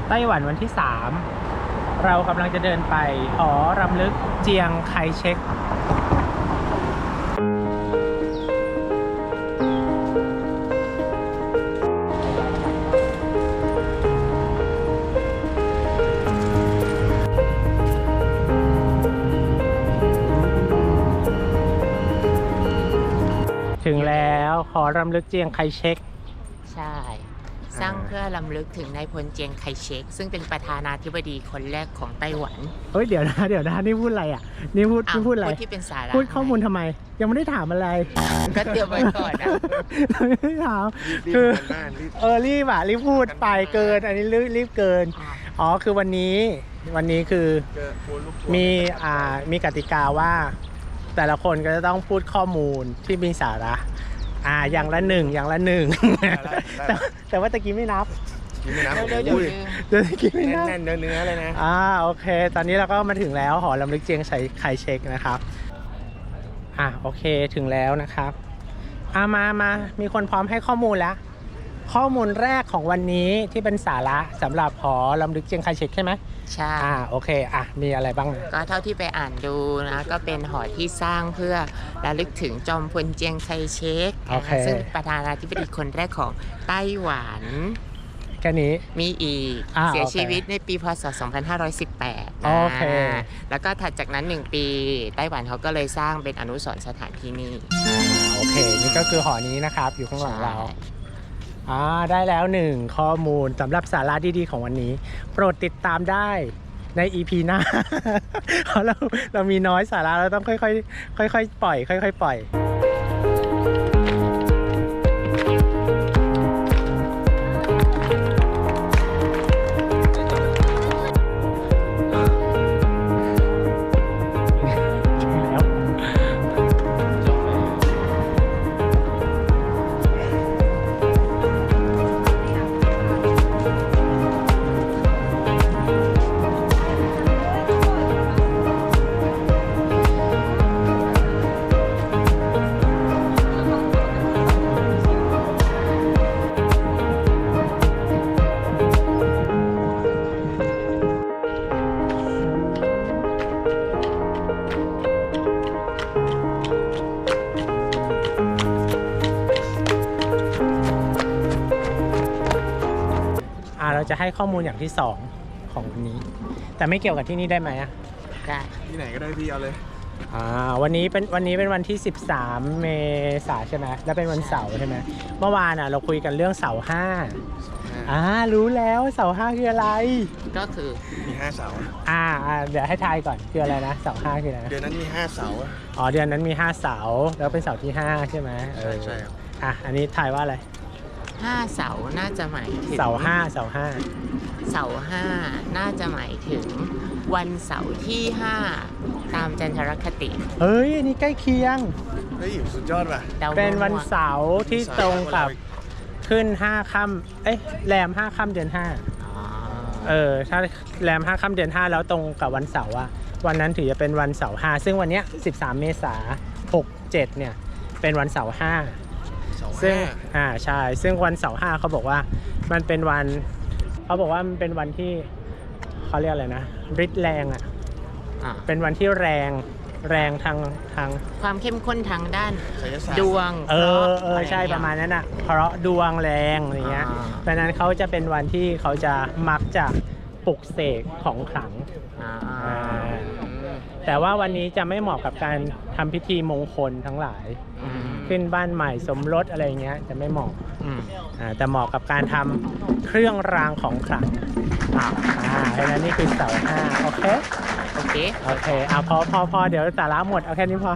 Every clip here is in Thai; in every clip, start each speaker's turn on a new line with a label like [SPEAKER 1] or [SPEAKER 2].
[SPEAKER 1] ไต้หวันวันที่ 3เรากำลังจะเดินไปหอรำลึกเจียงไคเชกถึงแล้วหอรำลึกเจียงไคเชก
[SPEAKER 2] ใช่สร้างเพื่อรำลึกถึงนายพลเจียงไคเชกซึ่งเป็นประธานาธิบดีคนแรกของไต้หวัน
[SPEAKER 1] เฮ้ยเดี๋ยวนะนี่พูดอะไรอ่ะนี่พูดอะไร
[SPEAKER 2] พูดที่เป็นสาระ
[SPEAKER 1] พูดข้อมูลทำไมยังไม่ได้ถามอะไร
[SPEAKER 2] ก็เตรียมไว้ก่อนนะ
[SPEAKER 1] ไม่ได้ถามคือรีบพูดไปเกินอันนี้รีบเกินอ๋อคือวันนี้คือมีกติกาว่าแต่ละคนก็จะต้องพูดข้อมูลที่มีสาระอย่างละหนึ่งแต่ว่าตะกี้ไม่นับเดี๋ยวตะกี้ไม่นับ
[SPEAKER 3] แน่นเนื้อเลยนะ
[SPEAKER 1] โอเคตอนนี้เราก็มาถึงแล้วหอรำลึกเจียงไคเชกนะครับโอเคถึงแล้วนะครับมามีคนพร้อมให้ข้อมูลแล้วข้อมูลแรกของวันนี้ที่เป็นสาระสำหรับหอรำลึกเจียงไคเชกใช่ไหม
[SPEAKER 2] ใช่
[SPEAKER 1] โอเคมีอะไรบ้าง
[SPEAKER 2] ก็เท่าที่ไปอ่านดูนะก็เป็นหอที่สร้างเพื่อระลึกถึงจอมพลเจียงไคเชกซึ่งประธานาธิบดีคนแรกของไต้หวัน
[SPEAKER 1] แค่นี้
[SPEAKER 2] มีอีกเสียชีวิตในปีพ.ศ. 2518
[SPEAKER 1] โอเค
[SPEAKER 2] แล้วก็ถัดจากนั้น1ปีไต้หวันเขาก็เลยสร้างเป็นอนุสรณ์สถานที่นี่
[SPEAKER 1] โอเคนี่ก็คือหอนี้นะครับอยู่ข้างหลังเราได้แล้ว1ข้อมูลสำหรับสาระดีๆของวันนี้โปรดติดตามได้ใน EP หน้า เพราะเรามีน้อยสาระเราต้องค่อยๆปล่อยค่อยๆปล่อยเราจะให้ข้อมูลอย่างที่2ของวันนี้แต่ไม่เกี่ยวกับที่นี่ได้ไหม
[SPEAKER 2] ได้
[SPEAKER 3] ที่ไหนก็ได้พี่เอาเลย
[SPEAKER 1] วันนี้เป็นวันที่13 เมษายนใช่ไหมแล้วเป็นวันเสาร์ใช่ไหมเมื่อวานเราคุยกันเรื่องเสาร์5รู้แล้วเสาร์5คืออะไร
[SPEAKER 2] ก็คือ
[SPEAKER 3] มี5เสา
[SPEAKER 1] เดี๋ยวให้ทายก่อนคืออะไรนะเสาร์5คืออะไร
[SPEAKER 3] เดือนนั้นมี5เสา
[SPEAKER 1] เดือนนั้นมี5เสาแล้วเป็นเสาร์ที่5ใช่ไหม
[SPEAKER 3] ใช่ครับ
[SPEAKER 1] อันนี้ทายว่าอะไร
[SPEAKER 2] 5เสาน่าจะหมายถึง
[SPEAKER 1] เสาร์5
[SPEAKER 2] น่าจะหมายถึงวันเสาร์ที่5ตามจันทรคติ
[SPEAKER 1] เฮ้ยนี่ใกล้เคียง
[SPEAKER 3] สุดยอดว่ะ
[SPEAKER 1] เป็นวันเสาร์ที่ตรงกับขึ้น5 ค่ำแรม5 ค่ำเดือน5ถ้าแรม5 ค่ำเดือน5แล้วตรงกับวันเสาร์วันนั้นถือจะเป็นวันเสาร์5ซึ่งวันนี้13 เมษายน67เนี่ยเป็นวันเสาร์5ซึ่งใช่ซึ่งวันเสาร์5เขาบอกว่ามันเป็นวันที่เขาเรียกอะไรนะฤทธิ์แรงเป็นวันที่แรงทาง
[SPEAKER 2] ความเข้มข้นทางด้านดวง
[SPEAKER 1] ใช่ประมาณนั้นเพราะดวงแรงอย่างเงี้ยเพราะนั้นเขาจะเป็นวันที่เขาจะมักจะปลุกเสกของขลังแต่ว่าวันนี้จะไม่เหมาะกับการทำพิธีมงคลทั้งหลายขึ้นบ้านใหม่สมรสอะไรเงี้ยจะไม่เหมาะแต่เหมาะกับการทำเครื่องรางของขลังเพราะนั้นนี่คือเสาร์5โอเคพอเดี๋ยวสาระหมดเอาแค่นี้พอ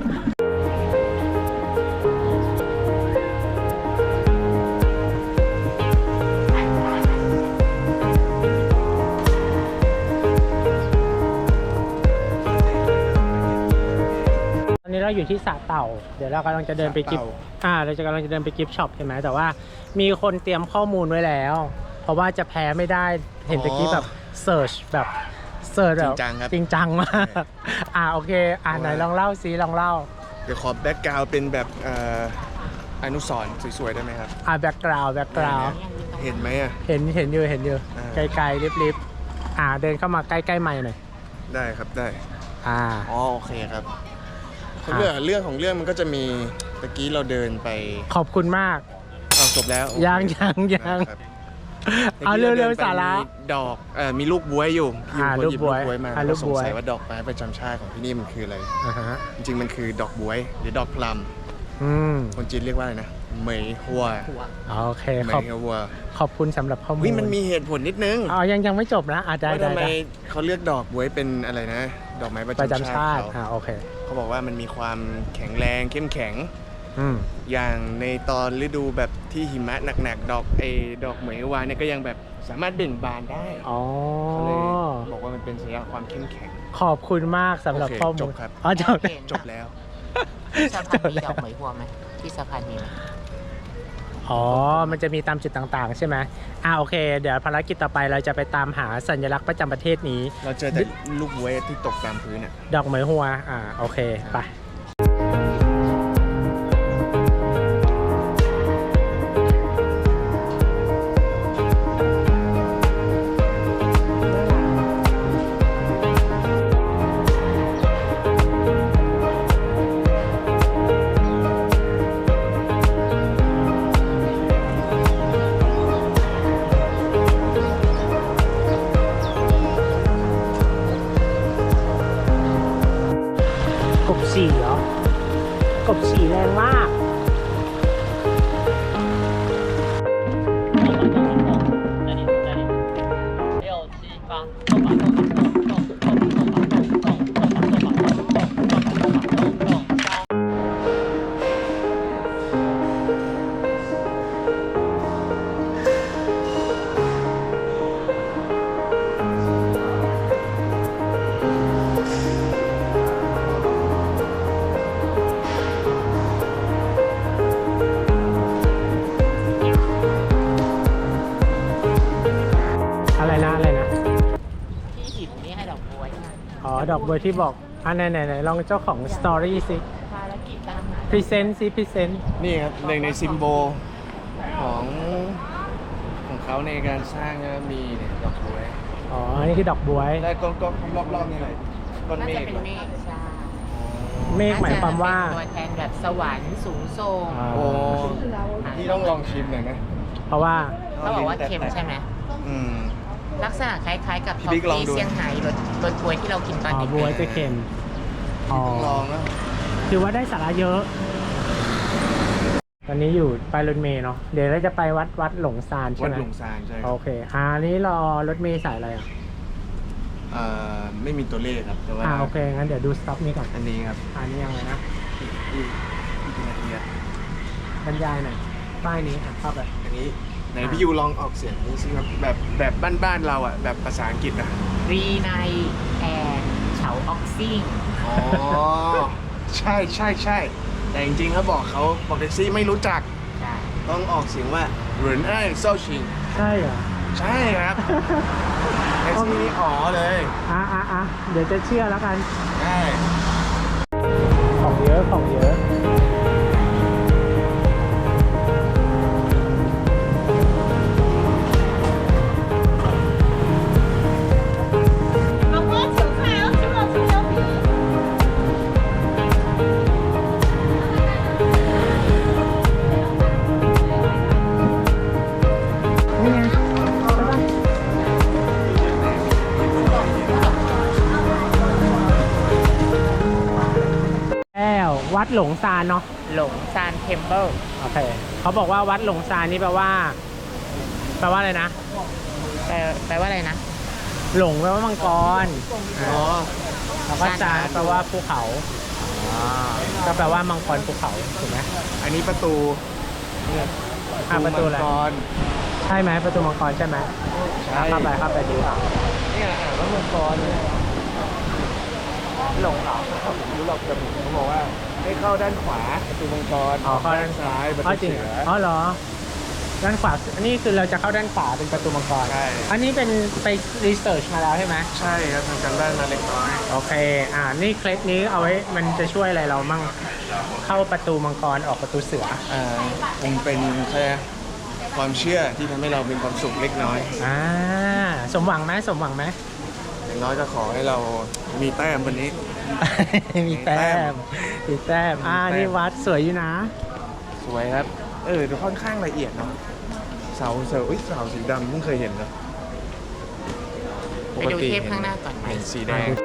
[SPEAKER 1] ตอนนี้เราอยู่ที่สระเต่าเดี๋ยวเรากำลังจะเดินไปกิฟช็อปใช่ไหมแต่ว่ามีคนเตรียมข้อมูลไว้แล้วเพราะว่าจะแพ้ไม่ได้เห็นตะกี้แบบเสิร์ชแบบจริงจังมากโอเคไหนลองเล่าซิลองเล่า
[SPEAKER 3] เดี๋ยวขอแบ็กกราวด์เป็นแบบอนุสรณ์สวยๆได้ไหมครับ
[SPEAKER 1] แบ็กกราวด์
[SPEAKER 3] เห็นไหม
[SPEAKER 1] เห็นอยู่ไกลๆลิบๆเดินเข้ามาใกล้ๆไมค์หน่อย
[SPEAKER 3] ได้ครับได้
[SPEAKER 1] อ๋
[SPEAKER 3] อโอเคครับเรื่องของเรื่องมันก็จะมีตะกี้เราเดินไป
[SPEAKER 1] ขอบคุณมาก
[SPEAKER 3] จบแล้ว
[SPEAKER 1] ยัง
[SPEAKER 3] ครับ
[SPEAKER 1] เอาเร็วๆสาระ
[SPEAKER 3] มีดอกมีลูกบ๊วยอยู่พี่
[SPEAKER 1] ลูกบ๊วย
[SPEAKER 3] มา
[SPEAKER 1] ลู
[SPEAKER 3] แล้ว
[SPEAKER 1] ก
[SPEAKER 3] ส
[SPEAKER 1] บ๊
[SPEAKER 3] ง
[SPEAKER 1] วย
[SPEAKER 3] สัยว่าดอกไม้ประจำชาติของที่นี่มันคืออะไร
[SPEAKER 1] ฮะ
[SPEAKER 3] จริงๆมันคือดอกบ๊วยหรือดอกพลัม
[SPEAKER 1] อืม
[SPEAKER 3] คนจีนเรียกว่าอะไรนะเหมยหัว
[SPEAKER 1] โอเค
[SPEAKER 3] เหม
[SPEAKER 1] ขอบ
[SPEAKER 3] ยหัว
[SPEAKER 1] ขอบคุณสำหรับข้อมูล
[SPEAKER 3] เฮ้ยมันมีเหตุผลนิดนึง
[SPEAKER 1] ยังไม่จบนะได้
[SPEAKER 3] ว่า
[SPEAKER 1] ได้
[SPEAKER 3] ทำไม
[SPEAKER 1] ได้
[SPEAKER 3] เขาเลือกดอกบ๊วยเป็นอะไรนะ ดอกไม้ประ
[SPEAKER 1] ประ
[SPEAKER 3] จำ
[SPEAKER 1] จำ
[SPEAKER 3] ชา
[SPEAKER 1] ชา
[SPEAKER 3] ติ
[SPEAKER 1] ติ
[SPEAKER 3] เขา
[SPEAKER 1] โอเค
[SPEAKER 3] เขาบอกว่ามันมีความแข็งแรงเข้มแข็ง
[SPEAKER 1] อืม
[SPEAKER 3] อย่างในตอนฤดูแบบที่หิมะหนักๆดอกเหมยวาเนี่ยก็ยังแบบสามารถเบ่งบานได้
[SPEAKER 1] อ๋อ
[SPEAKER 3] เขาเลยบอกว่ามันเป็นสัญลักษณ์ความเข้มแข็ง
[SPEAKER 1] ขอบคุณมากสำหรับ
[SPEAKER 3] โอเค
[SPEAKER 1] ข้อมูล
[SPEAKER 3] จบครับ
[SPEAKER 1] จบ
[SPEAKER 3] จบแล้ว
[SPEAKER 2] ที่สะพานมีดอกเหมยหัวไหมที่สะพานมีไหม
[SPEAKER 1] มันจะมีตามจุดต่างๆ ใช่ไหมโอเค เดี๋ยวภารกิจต่อไปเราจะไปตามหาสัญลักษณ์ประจำประเทศนี้
[SPEAKER 3] เราเจอแต่ลูกบ๊วยที่ตกตามพื้นอ่ะ
[SPEAKER 1] ดอกเหมยหัวโอเค ไป กบฉี่เหรอ กบฉี่แรงมาก อะไรนะ
[SPEAKER 2] ที่หินนี่ให้ดอกบัวใช่ไหม
[SPEAKER 1] ดอกบัวที่บอกไหนลองเจ้าของสตอรี่สิ
[SPEAKER 2] ภารกิจตามหา
[SPEAKER 1] พรีเซนต์สิ พรีเซนต์
[SPEAKER 3] นี่ครับหนึ่งในซิมโบลของเขาในการสร้างนะมีเนี่ยดอกบ๊วย
[SPEAKER 1] อันนี้คือดอกบัว
[SPEAKER 3] แล้วก็รอบๆนี่เลยก้อน
[SPEAKER 2] น่า
[SPEAKER 3] เม
[SPEAKER 2] จะ
[SPEAKER 3] ฆ
[SPEAKER 2] เป็นเมฆใช่
[SPEAKER 1] เมฆหมายความว่า
[SPEAKER 2] น่จะเป็นตัวแทนแบบสวรรค์สูงส่ง
[SPEAKER 1] อ่า
[SPEAKER 3] โอ้พี่ต้องลองชิมหน่อยนะ
[SPEAKER 1] เพราะว่า
[SPEAKER 2] เขาบอกว่าเค็มใช่ไหม
[SPEAKER 3] อืม
[SPEAKER 2] ลักษณะคล้ายๆกับ
[SPEAKER 3] พี่
[SPEAKER 2] ทอฟ
[SPEAKER 3] บิ๊กลอง
[SPEAKER 2] ฟี่
[SPEAKER 3] ดู
[SPEAKER 2] เซี่ยงไฮ้รสบวยที่เรากินตอนเด็ก
[SPEAKER 1] บัวจะเค็ม
[SPEAKER 3] ต้องลองนะ
[SPEAKER 1] ถือว่าได้สาระเยอะ ตอนนี้อยู่ไปรถเมล์เนาะ เดี๋ยวเราจะไปวัดหลงซานใช่
[SPEAKER 3] วัด
[SPEAKER 1] ไหม
[SPEAKER 3] หลงซานใช่ค
[SPEAKER 1] โอ
[SPEAKER 3] รับ
[SPEAKER 1] เคอันนี้รอรถเมล์สายอะไร
[SPEAKER 3] ไม่มีตัวเลขครับแต่ว่า
[SPEAKER 1] โอเค งั้นเดี๋ยวดูสต็อปนี้ก่อน
[SPEAKER 3] อันนี้ครับ
[SPEAKER 1] อันนี้ยังไงนะ
[SPEAKER 3] อีกนาทีอะ
[SPEAKER 1] บรรยายหน่อย ป้ายนี้เข้าไป
[SPEAKER 3] อันนี้ไหนพี่ยูลองออกเสียงดูสิครับแบบบ้านๆเราอ่ะแบบภาษาอังกฤษอ่ะ
[SPEAKER 2] รีไนแอนเฉาออกซิ่ง
[SPEAKER 3] อ๋อ ใช่แต่จริงๆเขาบอกแท็กซี่ไม่รู้จัก
[SPEAKER 2] ใช่
[SPEAKER 3] ต้องออกเสียงว่าเหรินไอ้เซาชิง
[SPEAKER 1] ใช่เหรอ
[SPEAKER 3] ใช่ครับแท็กซี่นี่อ๋อเลย
[SPEAKER 1] เดี๋ยวจะเชื่อแล้วกัน
[SPEAKER 3] ใช่
[SPEAKER 1] ของเยอะของเยอะ
[SPEAKER 4] 老婆，请菜，要吃到葱油饼。
[SPEAKER 1] นี่ไงใช่ปะแล้ววัดหลงซานเนาะ
[SPEAKER 2] หลงซานเทมเพิล
[SPEAKER 1] โอเค เขาบอกว่าวัดหลงซานนี่แปลว่าอะไรนะ
[SPEAKER 2] แปลว่าอะไรนะ
[SPEAKER 1] หลงแปลว่ามังกร
[SPEAKER 3] อ๋อ
[SPEAKER 1] แล้วก็ซานแปลว่าภูเขา ก็แปลว่ามังกรภูเขาถูกไหม
[SPEAKER 3] อันนี้ประตู
[SPEAKER 1] ประตูอะไร
[SPEAKER 3] มังกร
[SPEAKER 1] ใช่ไหมประตูมังกรใช่ไหม
[SPEAKER 3] ใช่
[SPEAKER 1] เข้าไปดูอ่ะ
[SPEAKER 3] นี่อ่านว่ามังกรเนี่ย
[SPEAKER 1] หลงเหรอ
[SPEAKER 3] ผมรู้หรอกแต่ผมเขาบอกว่าให้เข้าด้านขวาประตูมังกร
[SPEAKER 1] เข้า
[SPEAKER 3] ด้านซ้ายประ
[SPEAKER 1] อ๋อ
[SPEAKER 3] ตู
[SPEAKER 1] จริง
[SPEAKER 3] เสือ
[SPEAKER 1] เหรอ ด้านขวา อันนี้คือเราจะเข้าด้านขวาเป็นประตูมังกร
[SPEAKER 3] ใช่
[SPEAKER 1] อันนี้เป็นไปรีเสิร์ชมาแล้วใช่ไหม
[SPEAKER 3] ใช่ครับทำการบ้านมาเล็กน้อย
[SPEAKER 1] โอเค นี่เคล็ดนี้เอาไว้ มันจะช่วยอะไรเรามั่ง เข้าประตูมังกรออกประตูเสือ
[SPEAKER 3] คงเป็นแค่ความเชื่อที่ทำให้เรามีความสุขเล็กน้อย
[SPEAKER 1] ถสมหวังไหมสมหวังไหม
[SPEAKER 3] อย่างน้อยก็ขอให้เรามีแต้มวันนี้
[SPEAKER 1] มีแต้มมีแต้มนี่วัดสวยอยู่นะ
[SPEAKER 3] สวยครับดูค่อนข้างละเอียดเนาะเสาสีดำเพิ่งเคยเห็นเนาะ
[SPEAKER 2] ไปดูเทพข้างหน้าก่อนไหม
[SPEAKER 3] เห็นสีแดง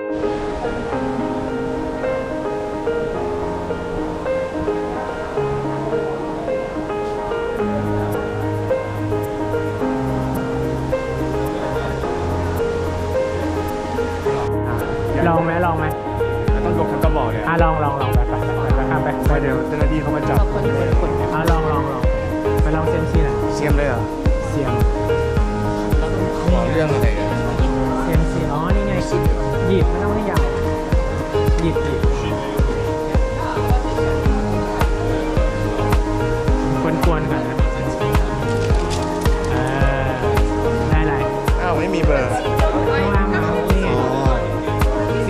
[SPEAKER 1] ลองไหมลองไหม
[SPEAKER 3] ต้องยกทั้งกระบอกเลย
[SPEAKER 1] ลองไปข้ามไป
[SPEAKER 3] ไม่เดี๋ยวเจ้าหน้าที่เขามาจับ
[SPEAKER 1] ลองไปลองเซมซีหน่อย
[SPEAKER 3] เสียมเลยเหรอ
[SPEAKER 1] เสียง
[SPEAKER 3] ขอเรื่องอะไรกัน
[SPEAKER 1] เซมซีนี่ไงหยิบไม่ต้องให้ยาวหยิบกวนๆก่อนนะได้ไร
[SPEAKER 3] อ้าวไม่มีเบอร์
[SPEAKER 1] ข้างล่างนี่ไง43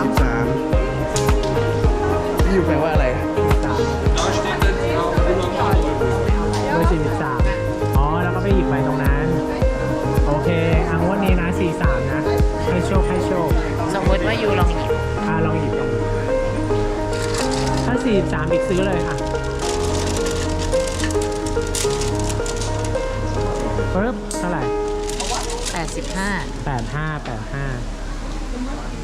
[SPEAKER 3] ที่อยู่แปลว่าอะไร
[SPEAKER 1] เบอร์43แล้วก็ไปหยิบไปตรงนั้นโอเคงวดนี้นะ43นะให้โชค
[SPEAKER 2] สมมติว่ายูลองหยิบ
[SPEAKER 1] ลองหยิบถ้า43อีกซื้อเลยค่ะปึ๊บเท่าไหร่
[SPEAKER 2] 85
[SPEAKER 1] 85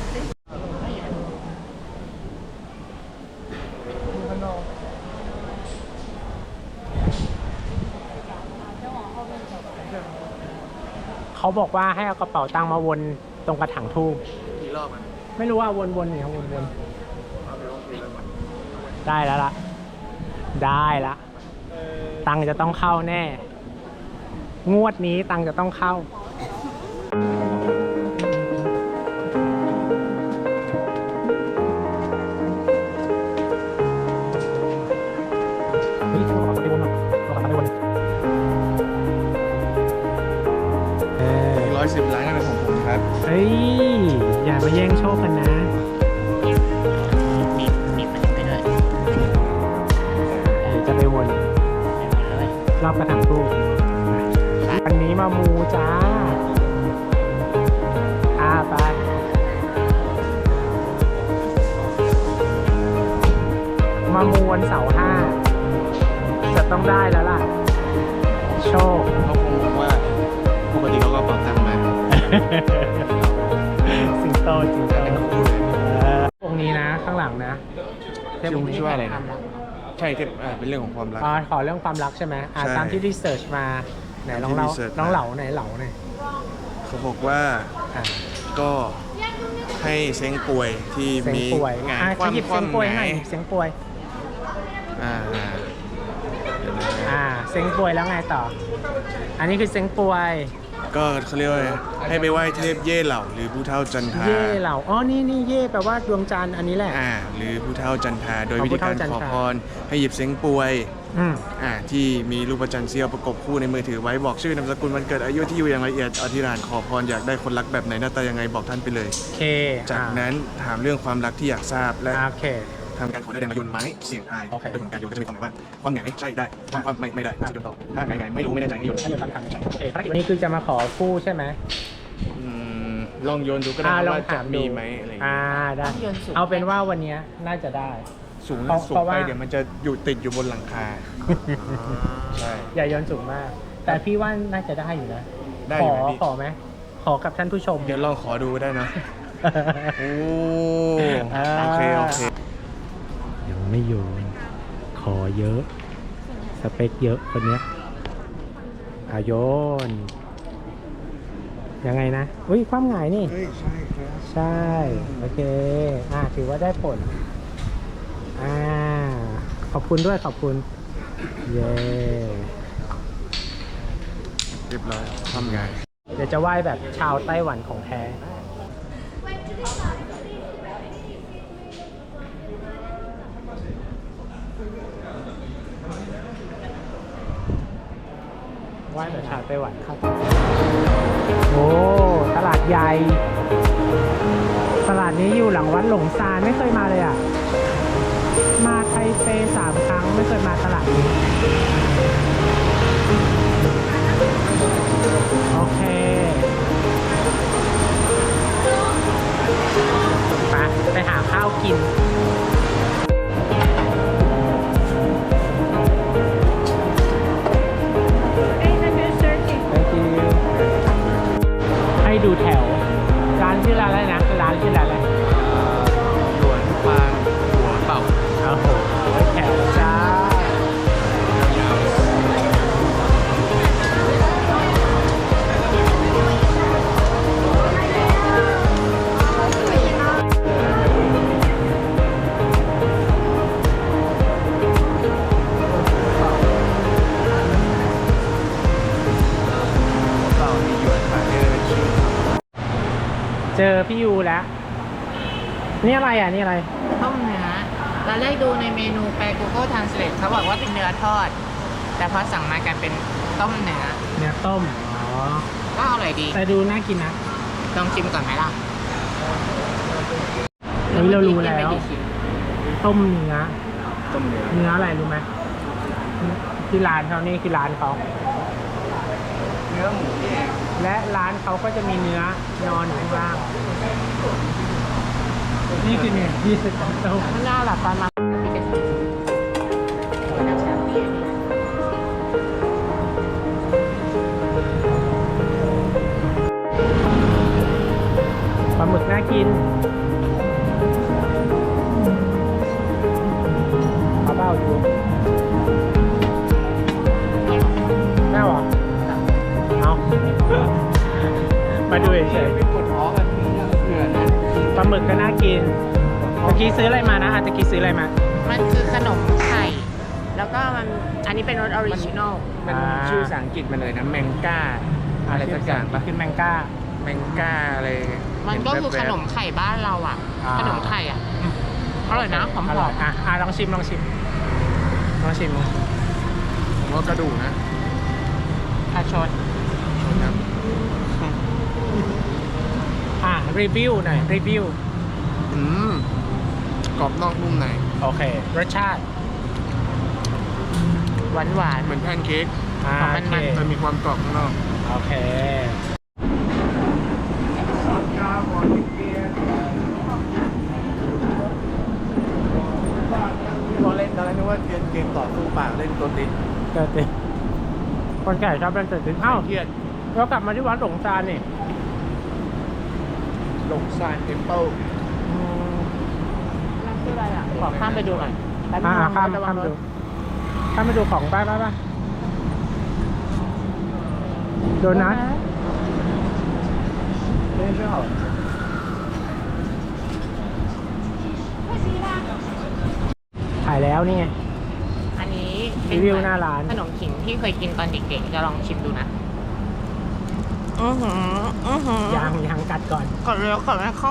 [SPEAKER 1] เขาบอกว่าให้เอากระเป๋าตังค์มาวนตรงกระถางทูบ
[SPEAKER 3] กี่รอบมัน
[SPEAKER 1] ไม่รู้ว่าวนๆเนี่ยวนๆได้แล้วล่ะ ได้ละตังค์จะต้องเข้าแน่ งวดนี้ตังค์จะต้องเข้าเฮ้ยตัวไปวนหรอตัวไปวน
[SPEAKER 3] 110 ล้านเป็นของผมครับ
[SPEAKER 1] เฮ้ยอย่ามาแย่งโชคกันนะ
[SPEAKER 2] มีมันไปด้วย
[SPEAKER 1] จะไปวนรอบกระถางทูบวันนี้มามูจ้าไปมามูวันเสาร์5จะต้องได้แล้วล่ะ โชค
[SPEAKER 3] เขาคงบอกว่าปกติเขาก็เป่าตังค์มา
[SPEAKER 1] สิงโตองค์นี้นะข้างหลังนะเทพองค์นี้
[SPEAKER 3] ชื่อว่าอะไรนะใช่เทพเป็นเรื่องของความรัก
[SPEAKER 1] ขอเรื่องความรักใช่ไหม
[SPEAKER 3] ใช่
[SPEAKER 1] ตามที่รีเสิร์ชมาไหนลองเล่า
[SPEAKER 3] ที่ research
[SPEAKER 1] ลองเหลาไหนเหลาหน่อย
[SPEAKER 3] เขาบอกว่าก็ให้เซ้งป่วยที่
[SPEAKER 1] เสียง
[SPEAKER 3] มี
[SPEAKER 1] ป่วย
[SPEAKER 3] งาน
[SPEAKER 1] ขยิบเสียงป่วยหน่อยเสียงป่วย เสียงป่วยแล้วไงต่อ อันนี้คือเสียงป่วย
[SPEAKER 3] ก็เขาเรียกว่าให้ไปไหว้เทพเย่เหล่าหรือผู้เฒ่าจันทรา
[SPEAKER 1] เย่เหล่านี่เย่แปลว่าดวงจันทร์อันนี้แหละ
[SPEAKER 3] หรือผู้เฒ่าจันทราโดย
[SPEAKER 1] อ๋อ
[SPEAKER 3] วิธีการ
[SPEAKER 1] ผู้เฒ่าจัน
[SPEAKER 3] ข
[SPEAKER 1] ท
[SPEAKER 3] อ
[SPEAKER 1] รา
[SPEAKER 3] พรให้หยิบเซ้งป่วย
[SPEAKER 1] อืม
[SPEAKER 3] ที่มีรูปจันทร์เสี้ยวประกบคู่ในมือถือไว้บอกชื่อนามสกุลวันเกิดอายุที่อยู่อย่างละเอียดอธิษฐานขอพรอยากได้คนรักแบบไหนหน้าตายังไงบอกท่านไปเลย
[SPEAKER 1] โอเค
[SPEAKER 3] จากนั้นถามเรื่องความรักที่อยากทราบและ
[SPEAKER 1] โอเค
[SPEAKER 3] ทำการขอได้แรงโยนไม้เสี่ยงทาย
[SPEAKER 1] โอเค
[SPEAKER 3] โดยผลการโยนก็จะมีความหมายว่าความไงใช่ได้ความไม่ได้จะโยนต่อถ้าไงไม่รู้ไม่แน่ใจให้โยน
[SPEAKER 1] ให้เดี๋ยวคำถามโอเคภารกิจวันนี้คือจะมาขอคู่ใช่ไหม
[SPEAKER 3] ลองโยนดูก็ได้
[SPEAKER 1] ลอง
[SPEAKER 3] ว่าจะ
[SPEAKER 1] ถามดู
[SPEAKER 3] มีไหมอะไรอย่างเงี้ย
[SPEAKER 1] ได้
[SPEAKER 2] โยนสูง
[SPEAKER 1] เอาเป็นว่าวันนี้น่าจะได้
[SPEAKER 3] สูง
[SPEAKER 1] เพราะ
[SPEAKER 3] ไป
[SPEAKER 1] ว่า
[SPEAKER 3] เดี๋ยวมันจะอยู่ติดอยู่บนหลังคาใช่
[SPEAKER 1] อย่าโยนสูงมาก แต่พี่ว่าน่าจะได้อยู่นะ
[SPEAKER 3] ได้
[SPEAKER 1] ข
[SPEAKER 3] อยู่
[SPEAKER 1] อ
[SPEAKER 3] ไหมพี่
[SPEAKER 1] ขอไหมขอกับท่านผู้ชม
[SPEAKER 3] เดี๋ยวลองขอดูได้นะโอ้โอเค
[SPEAKER 1] ยังไม่โยนขอเยอะ สเปคเยอะคนเนี้ยโยนยังไงนะอุ้ยความหงายนี่
[SPEAKER 3] เฮ้ยใช่ครับ
[SPEAKER 1] ใช่ โอเคถือว่าได้ผลขอบคุณด้วยขอบคุณ เย้
[SPEAKER 3] เรียบร้อยทำไง
[SPEAKER 1] เดี๋ยวจะไหว้แบบชาวไต้หวันของแท้ไหว้แบบชาวไต้หวันครับโอ้ตลาดใหญ่ตลาดนี้อยู่หลังวัดหลงซานไม่เคยมาเลยอ่ะมาไทเป3 ครั้งไม่เคยมาตลาดนี้โอเคกิน Thank you ให้ดูแถว ร้านชื่อร้านอะไรนะ ร้านชื่อร้านอะไร
[SPEAKER 3] หลวนฟางหัวเป่า
[SPEAKER 1] โอ้โหแถวจ้า
[SPEAKER 3] เป่ามีหยวนขายได้เป็นชิ้น
[SPEAKER 1] เจอพี่ยูแล้ว นี่อะไรอ่ะ นี่อะไร
[SPEAKER 2] ต้มเนื้อตอนแรกดูในเมนูแปล Google Translate เขาบอกว่าเป็นเนื้อทอด แต่พอสั่งมากลายเป็นต้มเนื้อ
[SPEAKER 1] เนื้อต้ม อ๋อ
[SPEAKER 2] ก็อร่อยดี
[SPEAKER 1] แต่ดูน่ากินนะ
[SPEAKER 2] ลองชิมก่อนไหมล่ะ
[SPEAKER 1] เฮ้ยเรารู้แล้ว
[SPEAKER 2] กินไปกี่ชิ้น
[SPEAKER 1] ต้มเนื้อ
[SPEAKER 3] ต้มเนื้อ
[SPEAKER 1] เนื้ออะไรรู้ไหมที่ร้านเขานี่คือร้านเขา
[SPEAKER 3] เนื้อหมูนี่เอง
[SPEAKER 1] และร้านเขาก็จะมีเนื้อนอนอยู่ข้างล่าง นี่คือเนี่ยที่ต้ม
[SPEAKER 2] ไม่น่าหลับตอนมาพี่จะชิมน้ำชาเปียก
[SPEAKER 1] ปลาหมึกน่ากินเอาเปล่าดูแม่หรอเอา มาดูเฉย
[SPEAKER 3] เป็นกดท้องกันมีเผื่อนะ
[SPEAKER 1] ๆปลาหมึกก็น่ากินเมื่อกี้ซื้ออะไรมานะตะกี้ซื้ออะไรมา
[SPEAKER 2] มันคือขนมไข่ แล้วก็อันนี้เป็นรสออริจินอล
[SPEAKER 3] มันชื่อภาษาอังกฤษมันเลยนะแมงก้าอะไรสักอย่างปะ
[SPEAKER 1] ขึ้นแมงก้า
[SPEAKER 3] แมงก้าอะไร
[SPEAKER 2] มันก็คือขนมไข่บ้านเราอ่ะ
[SPEAKER 1] อ่า
[SPEAKER 2] ขนมไข่อ่ะ อร่อยนะหอม
[SPEAKER 1] อร่อยลองชิมลองชิมลองชิม
[SPEAKER 3] ผมว่ากระดูกนะ
[SPEAKER 2] ๆอาชน
[SPEAKER 3] ครับ
[SPEAKER 1] รีวิวหน่อยรีวิว
[SPEAKER 3] อืมกรอบนอกนุ่มใน
[SPEAKER 1] โอเค รสชาติ
[SPEAKER 2] หวานหวาน
[SPEAKER 3] เหมือนแพนเค้ก
[SPEAKER 1] โอเค
[SPEAKER 3] แต่มีความกรอบข้างนอก
[SPEAKER 1] โอเค
[SPEAKER 3] ตอนเล่นนึกว่าเกมต่อสู้ปากเล่นตัวติด
[SPEAKER 1] เกิดติคนแก่ชอบเป็นเกิดติเอ้า
[SPEAKER 3] เครียด
[SPEAKER 1] เรากลับมาที่วัดหลงซานนี่
[SPEAKER 3] หลงซานเทมเปิล
[SPEAKER 2] นั่นคืออะไรอ่ะ ขอข้ามไปดูหน่อยแป๊บนึง
[SPEAKER 1] ข้าม
[SPEAKER 2] ระวั
[SPEAKER 1] ข้าง ม
[SPEAKER 2] ร
[SPEAKER 1] ดู
[SPEAKER 2] ถ
[SPEAKER 1] ข้ามไปดูของป้าโดนัท
[SPEAKER 3] เล่นไม่ออก
[SPEAKER 1] ถ่ายแล้วนี่ไง
[SPEAKER 2] อันนี้เป็
[SPEAKER 1] รีวิวหน้าร้าน
[SPEAKER 2] ขนมขิงที่เคยกินตอนเด็กๆ จะลองชิมดูนะ อือหือ
[SPEAKER 1] ยังกัดก่อน
[SPEAKER 2] ก่อนเร็วก่อนไม่เข้า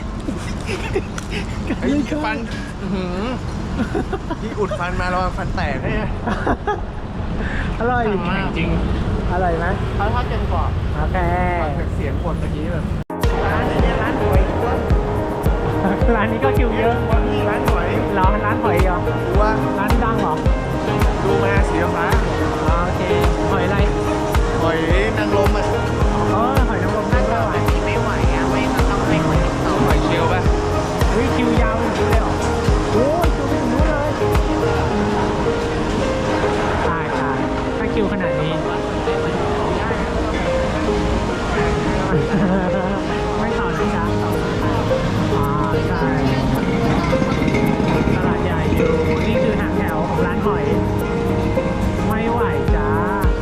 [SPEAKER 3] ไอ้ฟันอื้อหือที่อุดฟันมาแล้วฟันแตกเนี่ย
[SPEAKER 1] อร่อย
[SPEAKER 3] จริง
[SPEAKER 1] อร่อยไหม
[SPEAKER 2] เขาทอดจนกรอบ
[SPEAKER 1] โอเค
[SPEAKER 3] ฟังจากเสียงกดเมื่อกี้แบบ
[SPEAKER 2] ร้านนี้ร้านหวย
[SPEAKER 1] ร้านนี้ก็คิวเยอะ
[SPEAKER 3] วันนี้ร้านหอย
[SPEAKER 1] เหรอร้านหอยเหรอ
[SPEAKER 3] ดูว่า
[SPEAKER 1] ร้านดังเหรอ
[SPEAKER 3] ดูมาสีฟ้า
[SPEAKER 1] โอเค หอยอะไร
[SPEAKER 3] หอยนางรมอ่ะ
[SPEAKER 1] หอยนางรม
[SPEAKER 2] ถ้า
[SPEAKER 1] ไม่
[SPEAKER 2] เกิด
[SPEAKER 1] ไหว
[SPEAKER 2] แบบนี้ไม่ไหวอ่ะไม่ก็ต้องให้คนอื่นต่อ
[SPEAKER 3] หอยเชลล์ป่ะ
[SPEAKER 1] เฮ้ยคิวยาวอย่างนี้เลยเหรอโอ้ยคิวไปถึงนู้นเลยตายถ้าคิวขนาดนี้ ไม่ต่อนะจ๊ะใช่ตลาดใหญ่อยู่นี่คือหางแถวของร้านหอย ไม่ไหวจ้า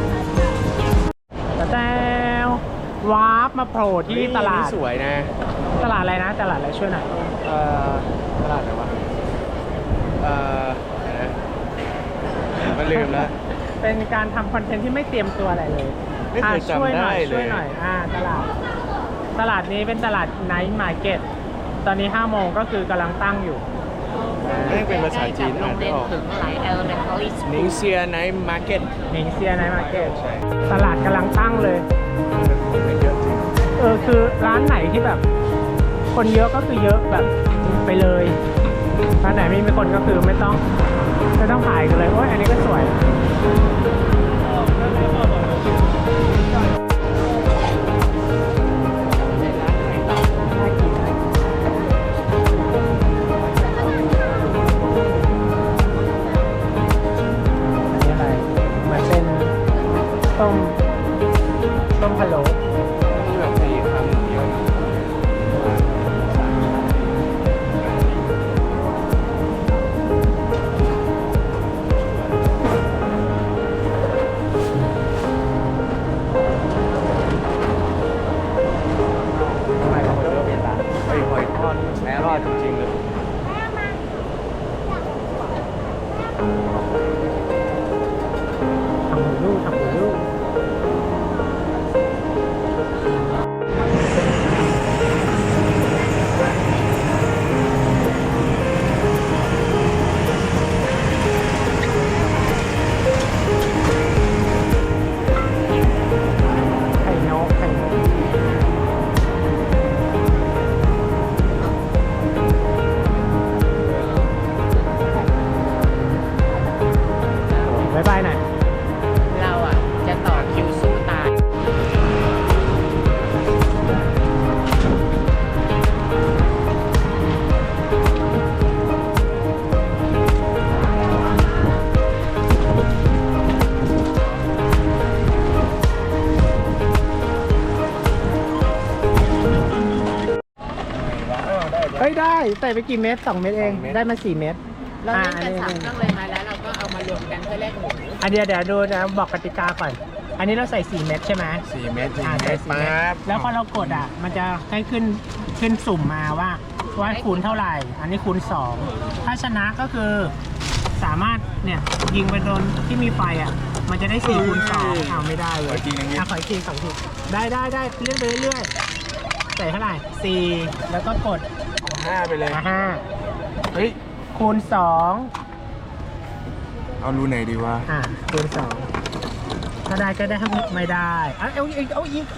[SPEAKER 1] แต่วาร์ปมาโผล่ที่ตลาด
[SPEAKER 3] สวยนะ
[SPEAKER 1] ตลาดอะไรนะ ตลาดอะไรช่วยหน่อย
[SPEAKER 3] ตลาดอะไรวะเดี๋ยวนะมันลืมแล้ว
[SPEAKER 1] เป็นการทำคอนเทนต์ที่ไม่เตรียมตัวอะไรเลย
[SPEAKER 3] ไม่เคยจำ
[SPEAKER 1] ช่วยหน่อย
[SPEAKER 3] ได้เลย
[SPEAKER 1] ช่วยหน่อยตลาดนี้เป็นตลาดไนท์มาร์เก็ตตอนนี้5โมงก็คือกำลังตั้งอยู่
[SPEAKER 3] ไม่เป็นภาษาจีน
[SPEAKER 2] โร
[SPEAKER 3] อ่าน
[SPEAKER 2] ง
[SPEAKER 3] ไม่
[SPEAKER 2] เรียน
[SPEAKER 3] ออก
[SPEAKER 2] ถึงหลายelementary
[SPEAKER 3] นิง
[SPEAKER 2] school
[SPEAKER 3] เซียไนท์มาร์เก็ต
[SPEAKER 1] หนิงเซียไนท์มาร์เก็ต
[SPEAKER 3] ใช่
[SPEAKER 1] ตลาดกำลังตั้งเลย
[SPEAKER 3] มันเยอะจริง
[SPEAKER 1] คือร้านไหนที่แบบ คนเยอะก็คือเยอะแบบไปเลยร้านไหนไม่มีคนก็คือไม่ต้องถ่ายกันเลยโอ้ยอันนี้ก็สวยน่ากิน
[SPEAKER 3] จริงๆเลย
[SPEAKER 1] ทำหูลูกทำหูลูกไข่นกไข่นกบ๊ายบายหน่อย
[SPEAKER 2] เราอ่ะจะต่อคิวสู้ตาย
[SPEAKER 1] เฮ้ยได้ใส่ไปกี่เม็ด2 เม็ดเองได้มา4 เม็ด
[SPEAKER 2] เราเล่นกัน
[SPEAKER 1] อั
[SPEAKER 2] 3 เครื่องเลยมาแล้วเราก็เอามารวมกันเพื่อแลกหมู
[SPEAKER 1] อันเดียวเดี๋ยวดูนะบอกกติกาก่อน อันนี้เราใส่4 เม็ดใช่ไหม
[SPEAKER 3] 4 เมตร
[SPEAKER 1] ใส่4 เม็ดแล้วพอเรากดอ่ะมันจะให้ขึ้นสุ่มมาว่าคูณเท่าไหร่ อันนี้คูณ2ถ้าชนะก็คือสามารถเนี่ยยิงไปโดนที่มีไฟอ่ะมันจะได้4คูณ2เอาไม่ได้เลย
[SPEAKER 3] ขออีกทีนึงดิ
[SPEAKER 1] ขออีกที2 ทีได้เลื่อนไปเรื่อยๆใส่เท่าไหร่4แล้วก็กด
[SPEAKER 3] 5ไปเลย
[SPEAKER 1] 5
[SPEAKER 3] เฮ้ย
[SPEAKER 1] คูณ2
[SPEAKER 3] เอารูไหนดีวะ
[SPEAKER 1] คูณ2ถ้าได้ก็ได้ถ้าไม่ได้เอาอีก
[SPEAKER 3] เอาอีก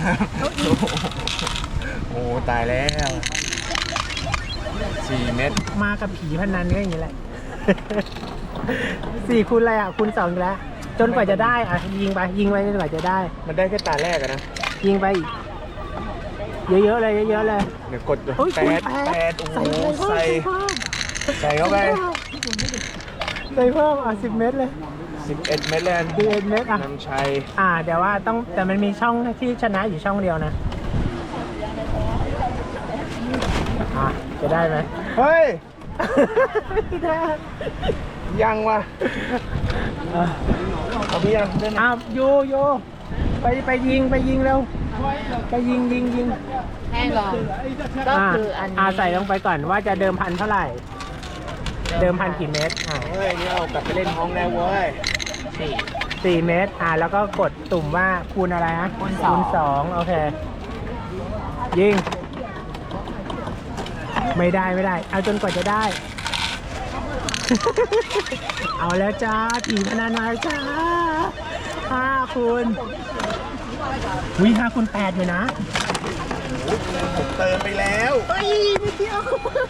[SPEAKER 3] โอ้ตายแล้ว4 เมตร
[SPEAKER 1] มากับผีพนันก็อย่างนี้แหละ 4 คูณอะไรอ่ะคูณ2อีกแล้วจนกว่าจะได้อ่ะยิงไปจนกว่าจะได้
[SPEAKER 3] มันได้แค่ตาแรกอะนะ
[SPEAKER 1] ยิงไปอีกเยอะๆเลยเยอะๆเลย
[SPEAKER 3] เดี๋ยวกด
[SPEAKER 1] เฮ้ยคูณ
[SPEAKER 3] แปดโอ้โห
[SPEAKER 1] ใส่
[SPEAKER 3] ใส่เข้าไป
[SPEAKER 1] ใส่เพิ่ม10 เม็ดเลย
[SPEAKER 3] 11 เมตรเลย
[SPEAKER 1] 11 เม็ดอ่ะ
[SPEAKER 3] นำชัย
[SPEAKER 1] เดี๋ยวว่าต้องแต่มันมีช่องที่ชนะอยู่ช่องเดียวนะจะได้ไหม
[SPEAKER 3] เฮ้ย
[SPEAKER 1] ไม่ได้
[SPEAKER 3] ยังวะเอาพี่ยัง
[SPEAKER 1] โยไปยิงเร็วไปยิง
[SPEAKER 2] แห้งลองก็คืออันนี้
[SPEAKER 1] ใส่ลงไปก่อนว่าจะเดิมพันเท่าไหร่ เดิมพันกี่เมตร
[SPEAKER 3] เฮ้ยนี่เอากลับไปเล่นห้องแล้วเว้ย
[SPEAKER 1] 4 เมตรแล้วก็กดตุ่มว่าคูณอะไรฮะคูณ2โอเคยิงไม่ได้เอาจนกว่าจะได้ เอาแล้วจ้าผีพนันมาจ้า5 คูณ5 คูณ 8อยู่นะ
[SPEAKER 3] ผมเติมไปแล้ว
[SPEAKER 1] เฮ้ยไม่เที่ยว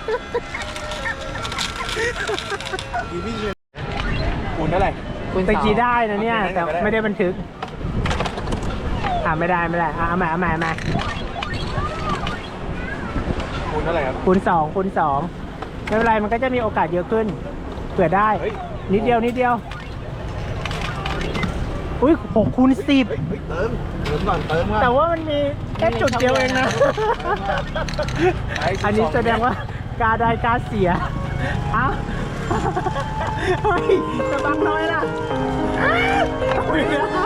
[SPEAKER 3] คูณเท่าไหร่
[SPEAKER 1] ตะกี้ได้นะเนี่ยแต่ไม่ได้บันทึกไม่ได้เอาใหม่
[SPEAKER 3] คูณเท่าไหร่ครับ
[SPEAKER 1] คูณ2ไม่เป็นไรมันก็จะมีโอกาสเยอะขึ้นเผื่อได้
[SPEAKER 3] เฮ้ย
[SPEAKER 1] นิดเดียวอุ้ย6 คูณ 10
[SPEAKER 3] เติมก่อนเติมว่า
[SPEAKER 1] แต่ว่ามันมีแค่จุดเดียวเองนะ อันนี้แสดงว่ากาได้กาเสียเฮ้ยจะบังน้อยล่ะ